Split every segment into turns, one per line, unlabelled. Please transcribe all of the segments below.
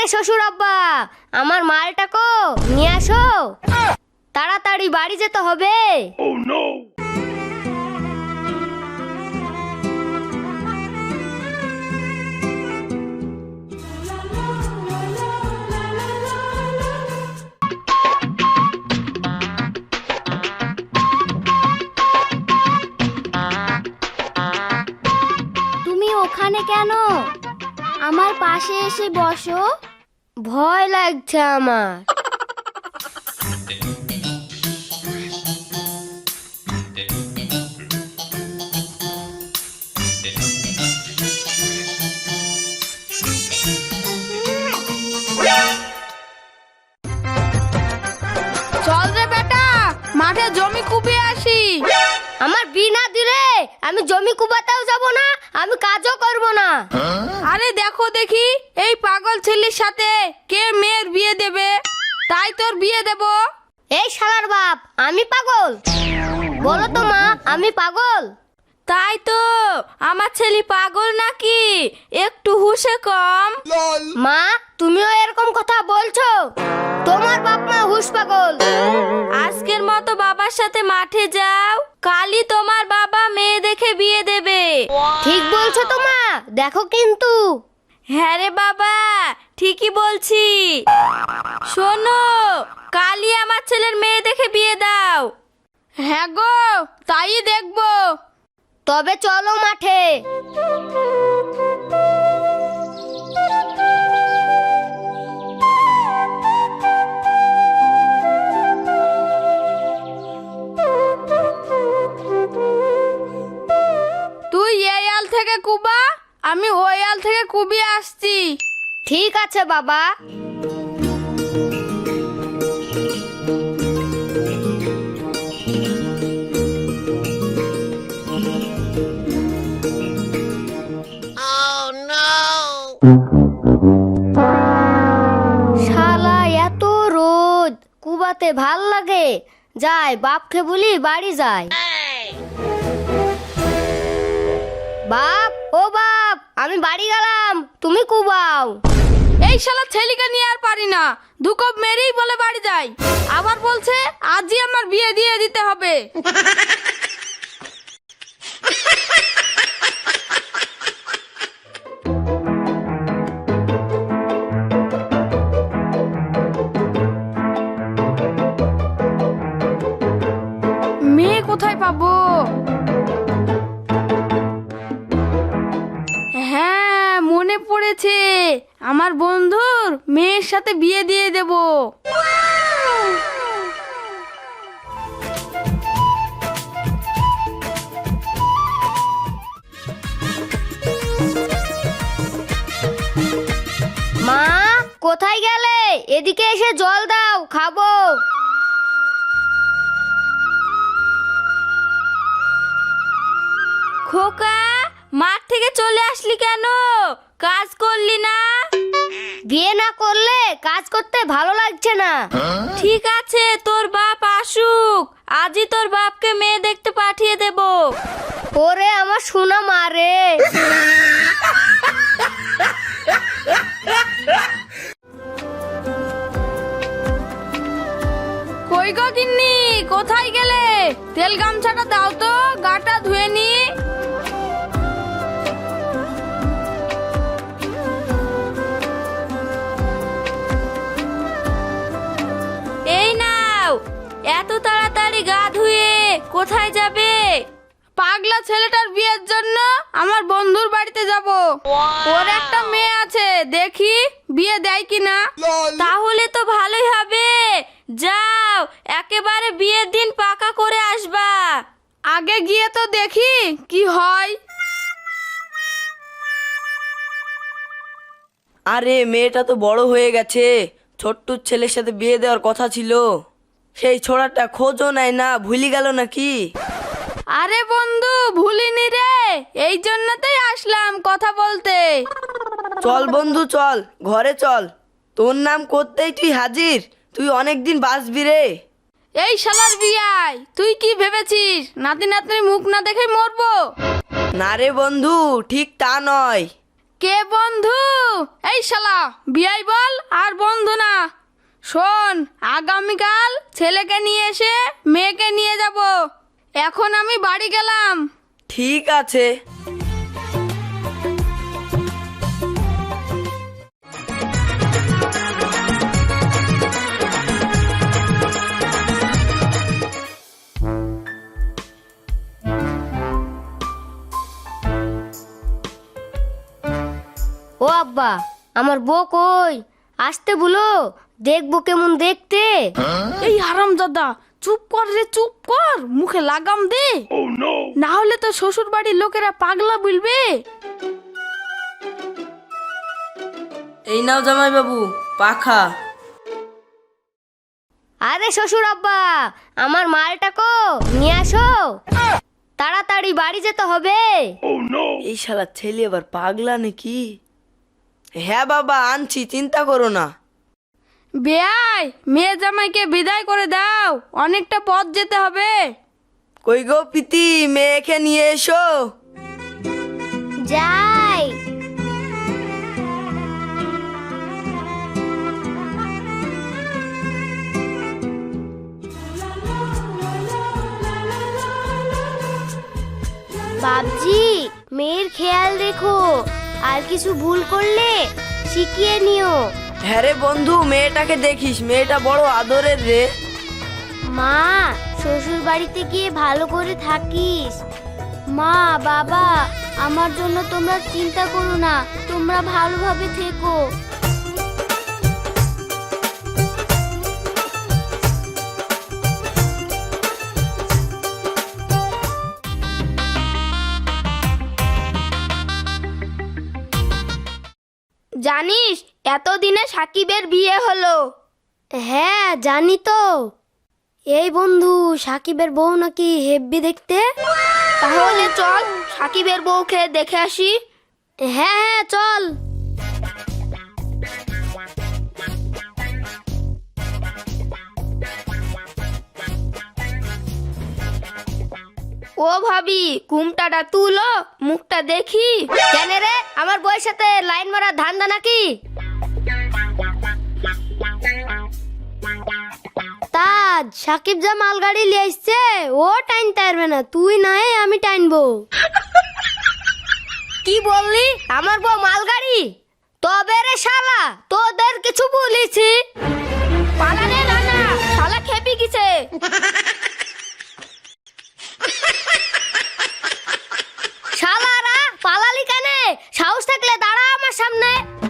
শ্বশুর আব্বা, আমার মালটাকে নিয়ে আসো, তাড়াতাড়ি বাড়ি যেতে হবে।
তুমি ওখানে কেন? আমার পাশে এসে বসো।
ভয় লাগছে আমার।
চল রে বেটা, মাঠে জমি কুপিয়ে আসি।
আমার বিনা দিলে আমি জমি কুবাতেও যাব না, আমি কাজও করব না।
আরে দেখো দেখি এই পাগল ছেলের সাথে কে মেয়ের বিয়ে দেবে, তাই তোর বিয়ে দেব।
এই শালার বাপ, আমি পাগল? বলো তো মা, আমি পাগল?
তাই তো, আমার ছেলে পাগল নাকি? একটু হুঁশে কম।
মা, তুমিও এরকম কথা বলছো? তোমার বাপ মা হুশ পাগল।
আজকের মতো বাবার সাথে মাঠে যাও, কালই তোমার বাবা মেয়ে দেখে বিয়ে দেবে।
ঠিক বলছো তো মা, দেখো কিন্তু।
হ্যাঁ রে বাবা, ঠিকই বলছি। শোনো, কালই আমার ছেলের মেয়ে দেখে বিয়ে দাও। হ্যাঁ গো, তাই দেখবো।
তবে চলো মাঠে।
তুই এই আল থেকে কুবা, আমি ওই আল থেকে কুবিয়ে আসছি।
ঠিক আছে বাবা। শালা এত রোদ, কুবাতে ভাল লাগে? যাই বাপকে বলি বাড়ি যাই। বাপ, ও বাপ, আমি বাড়ি গেলাম, তুমি কুবাও।
এই শালা ছেলেকে নিয়ে আর পারি না, দুকপ মেরেই বলে বাড়ি যাই, আবার বলছে আজই আমার বিয়ে দিয়ে দিতে হবে। মেয়ে কোথায় পাবো? হ্যাঁ, মনে পড়েছে, আমার বন্ধুর মেয়ের সাথে বিয়ে দিয়ে দেব।
মা, কোথায় গেলে? এদিকে এসে জল দাও, খাবো।
খোকা, মাঠ থেকে চলে আসলি কেন? কাজ করলি না?
বিয়ে না করলে কাজ করতে ভালো লাগছে না।
ঠিক আছে, তোর বাপ আসুক, আজই তোর বাপকে মেয়ে দেখতে পাঠিয়ে দেব।
ওরে আমার সোনা মা রে।
কই গো গিন্নি, কোথায় গেলে? তেল গামছাটা দাও তো, গাটা ধুয়ে নি। এই নাও, এত তাড়াতাড়ি গা ধুয়ে কোথায় যাবে? পাগলা ছেলেটার বিয়ের জন্য আমার বন্ধুর বাড়িতে যাব। ওর একটা মেয়ে আছে, দেখি বিয়ে দেয় কিনা। তাহলে তো ভালোই হবে, যাও একেবারে বিয়ের দিন পাকা করে আসবা। আগে গিয়ে তো দেখি কি হয়।
আরে মেয়েটা তো বড় হয়ে গেছে, ছোট্টুর ছেলের সাথে বিয়ে দেওয়ার কথা ছিল। সেই ছোড়াটা খোঁজও নেয় না, ভুলি গেল নাকি?
আরে বন্ধু, ভুলিনি রে, এই জন্যতেই আসলাম কথা বলতে।
চল বন্ধু চল, ঘরে চল। তোর নাম করতেই তুই হাজির, তুই অনেকদিন বাঁচবি রে।
এই শালার বিয়াই, তুই কি ভেবেছিস নাতি নাতনির মুখ না দেখে মরবো?
না রে বন্ধু, ঠিক তা নয়।
কে বন্ধু? এই শালা বিয়াই বল আর বন্ধু না। শোন, আগামীকাল ছেলেকে নিয়ে এসে মেয়েকে নিয়ে যাব। এখন আমি বাড়ি গেলাম।
ঠিক আছে।
ও আব্বা, আমার বউ কই? আসতে বলো, দেখবো কেমন দেখতে।
এই হারামজাদা, চুপ কর রে, চুপ কর, মুখে লাগাম দে। না হলে তো শ্বশুর বাড়ির লোকেরা পাগলা বলবে।
এই নাও জামাই বাবু পাখা।
আরে শ্বশুর আব্বা, আমার মালটা কো নিয়ে আসো, তাড়াতাড়ি বাড়ি যেতে হবে।
এই শালা ছেলে আবার পাগলা নাকি? হ্যাঁ বাবা আনছি, চিন্তা করো না।
বেয়াই, মেয়ে জামাইকে বিদায় করে দাও, অনেকটা পথ যেতে হবে।
কই গো পিতি, মেয়েকে নিয়ে এসো।
যাই। বাবজি, মেয়ের খেয়াল রেখো, আর কিছু ভুল করলে শিখিয়ে নিও।
হ্যাঁ রে বন্ধু, মেয়েটাকে দেখিস, মেয়েটা বড় আদরের রে।
মা, শ্বশুর বাড়িতে গিয়ে ভালো করে থাকিস। মা বাবা, আমার জন্য তোমরা চিন্তা করো না, তোমরা ভালোভাবে থেকো।
জানিস এতদিনে সাকিবের বিয়ে হলো?
হ্যাঁ জানি তো। এই বন্ধু, সাকিবের বউ নাকি হেব্বি দেখতে।
তাহলে চল সাকিবের বউকে দেখে আসি।
হ্যাঁ হ্যাঁ চল।
ও ভাবি, ঘুমটাটা তুলো, মুখটা দেখি।
কেন রে, আমার বউয়ের সাথে লাইন মারা ধান্দা নাকি?
তাজ, সাকিব যা মালগাড়ি নিয়ে আসছে, ও টাইন পারবে না, তুই নাই আমি টাইনবো।
কি বললি? আমার বউ মালগাড়ি? তবে রে শালা, তোদের কিছু বলেছি?
পালানে না না, শালা খেপি গেছে।
শালারা পালালি কেনে? সাহস থাকলে দাঁড়া আমার সামনে।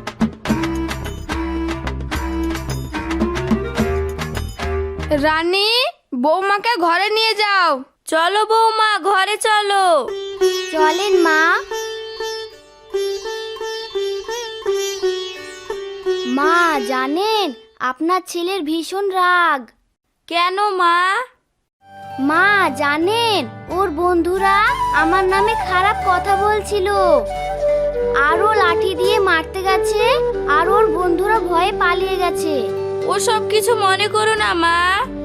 রানী, বৌমাকে ঘরে নিয়ে যাও। চলো বৌমা, ঘরে চলো।
চলেন মা। মা জানেন, আপনার ছেলের ভীষণ রাগ।
কেন মা?
মা জানেন, ওর বন্ধুরা আমার নামে খারাপ কথা বলছিল, আর ও লাঠি দিয়ে মারতে গেছে, আর ওর বন্ধুরা ভয়ে পালিয়ে গেছে।
ওসব কিছু মনে করো না মা।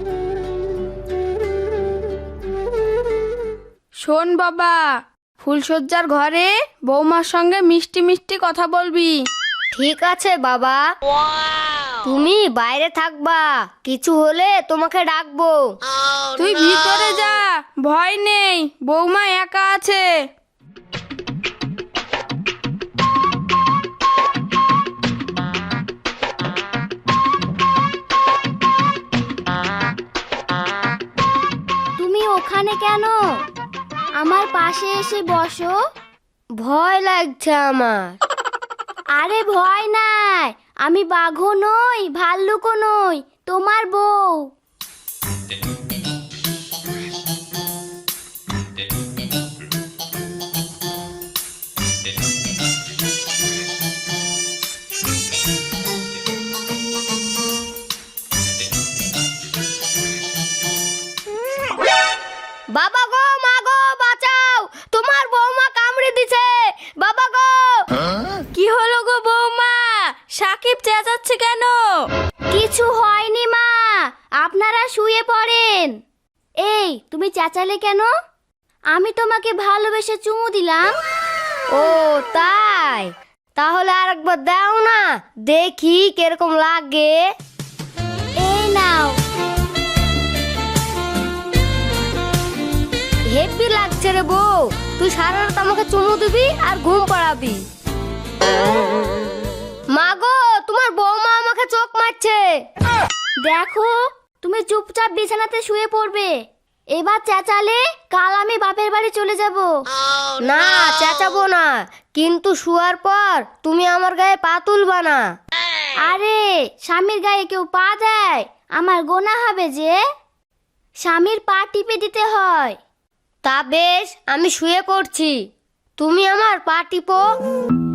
শোন বাবা, ফুলসজ্জার ঘরে বৌমার সঙ্গে মিষ্টি মিষ্টি কথা বলবি।
ঠিক আছে বাবা, তুমি বাইরে থাকবা, কিছু হলে তোমাকে ডাকবো।
তুই ভিতরে যা, ভয় নেই, বৌমা একা আছে।
তুমি ওখানে কেন? আমার পাশে এসে বসো।
ভয় লাগছে আমার।
আরে ভয় নাই, আমি বাঘও নই, ভাল্লুকও নই, তোমার বউ।
বাবা গো, মা গো, বাঁচাও, তোমার বৌমা কামড়ে দিছে, বাবা গো।
কি হলো গো বৌমা? সাকিব চেঁচাচ্ছে কেন?
কিছু হয়নি মা, আপনারা শুয়ে পড়েন। এই, তুমি চেঁচালে কেন? আমি তোমাকে ভালোবেসে চুমু দিলাম।
ও তাই? তাহলে আরেকবার দাও না, দেখি কিরকম লাগে।
এই নাও।
হেভি লাগছে রে বউ, তুই সারা রাত আমাকে চুমু দিবি আর ঘুম পাড়াবি। মা গো, তোমার বৌমা আমাকে চোখ মারছে।
দেখো, তুমি চুপচাপ বিছানাতে শুয়ে পড়বে। এবার চেঁচালে কাল আমি বাপের বাড়ি চলে যাব।
না, চেঁচাবো না, কিন্তু শুয়ার পর তুমি আমার গায়ে পা তুলবা না।
আরে স্বামীর গায়ে কেউ পা দেয়? আমার গোনা হবে যে। স্বামীর পা টিপে দিতে হয়।
তা বেশ, আমি শুয়ে পড়ছি, তুমি আমার পা টিপো।